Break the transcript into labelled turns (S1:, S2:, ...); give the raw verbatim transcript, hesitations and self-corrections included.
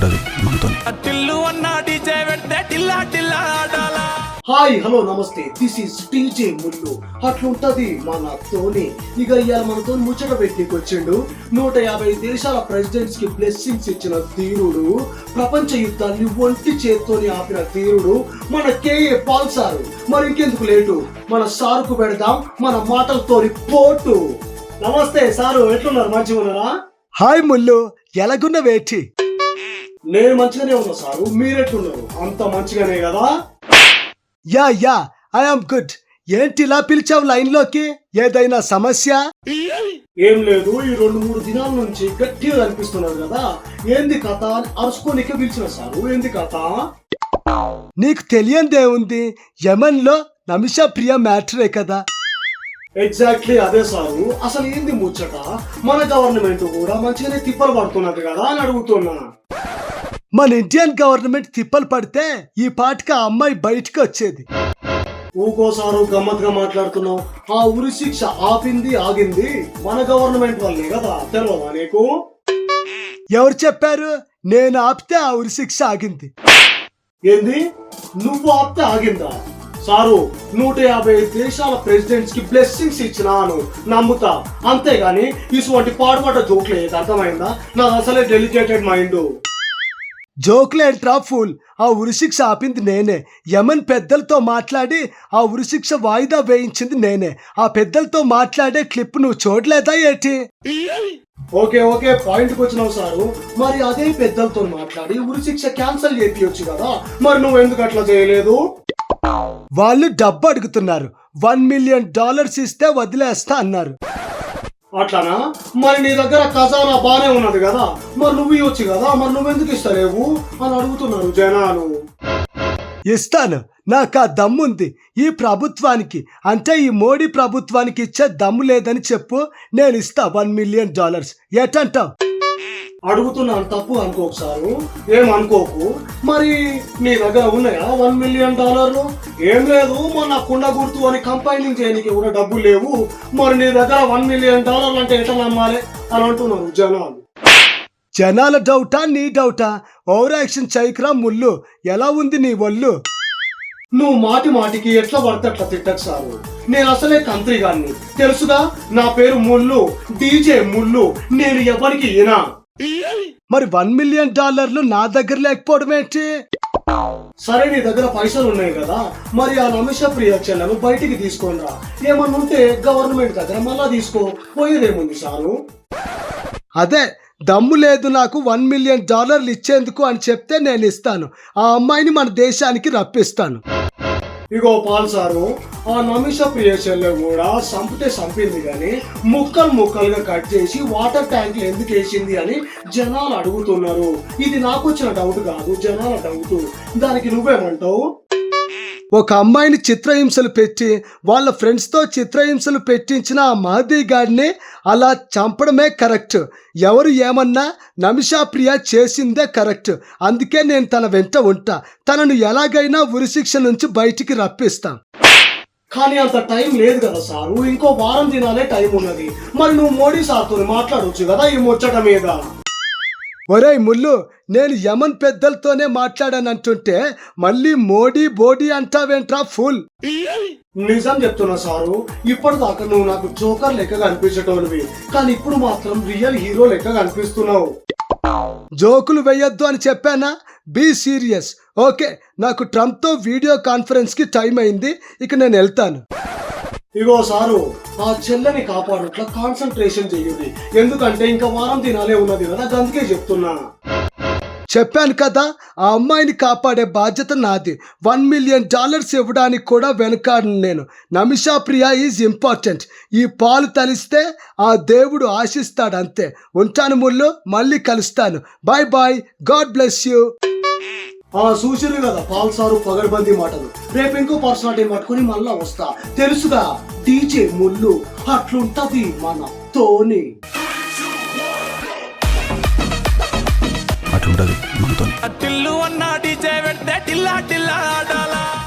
S1: అట్లుంటది మనతో.
S2: Hi hello నమస్తే, దిస్ ఈస్ టీజే ముల్లు. అట్లుంటది మనతోని. ఇక ఇవాళ మనతో ముచ్చట పెట్టికి వచ్చిండు. నూట యాభై దేశాల ప్రెసిడెంట్స్ కి బ్లెస్సింగ్స్ ఇచ్చిన తీరుడు, ప్రపంచ యుద్ధాన్ని ఒంటి చేత్తోని ఆపిన తీరుడు మన కేఏ పాల్ సారు. మరి ఇంకెందుకు లేటు, మన సారుకు పెడదాం మన మాటలతోని పోటు. నమస్తే సారు, ఎట్లున్నారు? మంచిగా ఉన్నారా?
S3: హాయ్ ముల్లు, ఎలాగున్న వేటి?
S2: నేను మంచిగానే ఉన్నా సారు, మీరెట్లున్నారు? అంత మంచిగానే కదా?
S3: Yeah yeah I'm good. ఏంటి ఇలా పిలిచావు లైన్ లోకి? ఏదైనా సమస్య?
S2: ఏం లేదు, ఈ రెండు మూడు దినాల నుంచి గట్టిగా అనిపిస్తున్నారు కదా, ఏంది కథ అని అరుచుకోనికే పిలిచిన సారు. ఏంది కథ?
S3: నీకు తెలియందేముంది, యమన్ లో నమిషా ప్రియ మ్యాటరే కదా.
S2: ఎగ్జాక్ట్లీ అదే సారు. అసలు ఏంది ముచ్చట? మన గవర్నమెంట్ కూడా మంచిగానే తిప్పలు పడుతున్నది కదా అని అడుగుతున్నా.
S3: మన ఇండియన్ గవర్నమెంట్ తిప్పలు పడితే ఈ పాటికి ఆ అమ్మాయి బయటికి వచ్చేది.
S2: ఊకోసారు గమ్మత్ గా మాట్లాడుతున్నావు. ఆ ఉరి శిక్ష ఆపింది ఆగింది మన గవర్నమెంట్ వల్లే కదా, తెలియదా నీకు?
S3: ఎవరు చెప్పారు? నేను ఆపితే ఆ ఉరి శిక్ష ఆగింది.
S2: ఏంది? నువ్వు ఆపితే ఆగిందా? సారు, నూట యాభై దేశాల ప్రెసిడెంట్స్ కి బ్లెస్సింగ్స్ ఇచ్చినాను నమ్ముతా, అంతేగాని ఇటువంటి పాడుపడ్డ జోక్లే. అర్థమైందా? నాది అసలే డెలికేటెడ్ మైండ్.
S3: జోక్లేంట్రా ఫూల్, ఆ ఉరిశిక్ష ఆపింది నేనే. యమన్ పెద్దలతో మాట్లాడి ఆ ఉరిశిక్ష వాయిదా వేయించింది నేనే. ఆ పెద్దలతో మాట్లాడే క్లిప్ నువ్వు చూడలేదా ఏటి?
S2: ఓకే ఓకే, పాయింట్కి వచ్చినావు సారు. మరి అదే పెద్దలతో మాట్లాడి ఉరిశిక్ష క్యాన్సిల్ చేయించచ్చు కదా, మరి నువ్వు ఎందుకు అట్లా చేయలేదు?
S3: వాళ్ళు డబ్బు అడుగుతున్నారు. వన్ మిలియన్ డాలర్స్ ఇస్తే వదిలేస్తా అన్నారు.
S2: అట్లానా? మరి నీ దగ్గర ఖజానా బానే ఉన్నది కదా, మరి నువ్వు ఇవ్వచ్చు కదా, మరి నువ్వెందుకు ఇస్తలేవు అని అడుగుతున్నారు జనాలు.
S3: ఇస్తాను, నాకు ఆ దమ్ముంది. ఈ ప్రభుత్వానికి అంటే ఈ మోడీ ప్రభుత్వానికి ఇచ్చే దమ్ము లేదని చెప్పు, నేను ఇస్తా వన్ మిలియన్ డాలర్స్. ఏటంటావు?
S2: అడుగుతున్నాను, తప్పు అనుకోకు సారు, ఏం అనుకోకు. మరి నీ దగ్గర ఉన్నాయా వన్ మిలియన్ డాలర్లు? ఏం లేదు, మొన్న కుండ గుర్తు అని కంపైనింగ్ చేయడానికి కూడా డబ్బులు లేవు. మరి నీ దగ్గర వన్ మిలియన్ డాలర్లు అంటే ఎట్లా నమ్మాలి అని అంటున్నారు జనాలు.
S3: జనాల డౌటా నీ డౌటా? ఓవర్ యాక్షన్ చేయకురా ముల్లు. ఎలా ఉంది నీ ఒళ్ళు?
S2: నువ్వు మాటి మాటికి ఎట్లా పడితే అట్లా తిట్టకు సారు. నేను అసలే కంత్రి గాన్ని, తెలుసుగా. నా పేరు ముల్లు, డీజే ముల్లు. నేను ఎవరికి ఈనా.
S3: మరి వన్ మిలియన్ డాలర్లు నా దగ్గర లేకపోవడం ఏంటి?
S2: సరే, నీ దగ్గర పైసలు ఉన్నాయి కదా, మరి ఆ నమిషా ప్రియ చెల్లెను బయటికి తీసుకొని రా. ఏమన్నా ఉంటే గవర్నమెంట్ దగ్గర మళ్ళా తీసుకో, పోయేదేముంది సారు.
S3: అదే దమ్ము లేదు నాకు వన్ మిలియన్ డాలర్లు ఇచ్చేందుకు అని చెప్తే నేను ఇస్తాను. ఆ అమ్మాయిని మన దేశానికి రప్పిస్తాను.
S2: ఇగో పాల్ సారు, ఆ నమిషా ప్రియ చెల్లె కూడా సంపితే సంపింది కానీ ముక్కలు ముక్కలుగా కట్ చేసి వాటర్ ట్యాంక్ ఎందుకు వేసింది అని జనాలు అడుగుతున్నారు. ఇది నాకు వచ్చిన డౌట్ కాదు, జనాల డౌట్. దానికి నువ్వేమంటావు?
S3: ఒక అమ్మాయిని చిత్రహింసలు పెట్టి వాళ్ళ ఫ్రెండ్స్తో చిత్రహింసలు పెట్టించిన ఆ మహదీ గాడిని అలా చంపడమే కరెక్ట్. ఎవరు ఏమన్నా నమిషా ప్రియ చేసిందే కరెక్ట్. అందుకే నేను తన వెంట ఉంటా. తనను ఎలాగైనా ఉరిశిక్ష నుంచి బయటికి రప్పిస్తాం.
S2: కానీ అంత టైం లేదు కదా సారు, ఇంకో వారం దినాలే టైం ఉన్నది. మరి నువ్వు మోడీ సార్తో మాట్లాడవచ్చు కదా ఈ ముచ్చట మీద.
S3: ఒరేయ్ ముల్లు, నేను యమన్ పెద్దలతోనే మాట్లాడానంటుంటే మళ్ళీ మోడీ బోడీ అంటావేంట్రా ఫుల్?
S2: నిజం చెప్తున్నా సారు, ఇప్పటిదాకా నువ్వు నాకు జోకర్ లెక్క కనిపించేటోనివి, కానీ ఇప్పుడు మాత్రం రియల్ హీరో లెక్క కనిపిస్తున్నావు.
S3: జోకులు వేయొద్దు అని చెప్పానా? Be serious. ఓకే, నాకు ట్రంప్తో వీడియో కాన్ఫరెన్స్కి టైం అయింది, ఇక నేను వెళ్తాను.
S2: ఇగో సారు, ఆ చెల్లెని కాపాడుట్లా కాన్సన్ట్రేషన్ చెయ్యండి, ఎందుకంటే ఇంకా వారం దినాలే ఉన్నది కదా, అందుకే చెప్తున్నా.
S3: చెప్పాను కదా, ఆ అమ్మాయిని కాపాడే బాధ్యత నాది. వన్ మిలియన్ డాలర్స్ ఇవ్వడానికి కూడా వెనకాడను నేను. Nimisha Priya is important. ఈ పాలు తలిస్తే ఆ దేవుడు ఆశిస్తాడు, అంతే. ఉంటాను ముల్లు, మళ్ళీ కలుస్తాను. Bye bye, God bless you.
S2: ఆ చూసిరు కదా పాల్ సారు పగడ్బందీ మాటలు. రేపు ఇంకో పర్సనాలిటీ పట్టుకుని మళ్ళా వస్తా, తెలుసుగా. డీజే ముల్లు, అట్లుంటది మనతోని.
S1: అట్లుంటది మనతో.
S4: టిల్లు అన్న డీజే పెడితే టిల్లా టిల్లా ఆడాలా.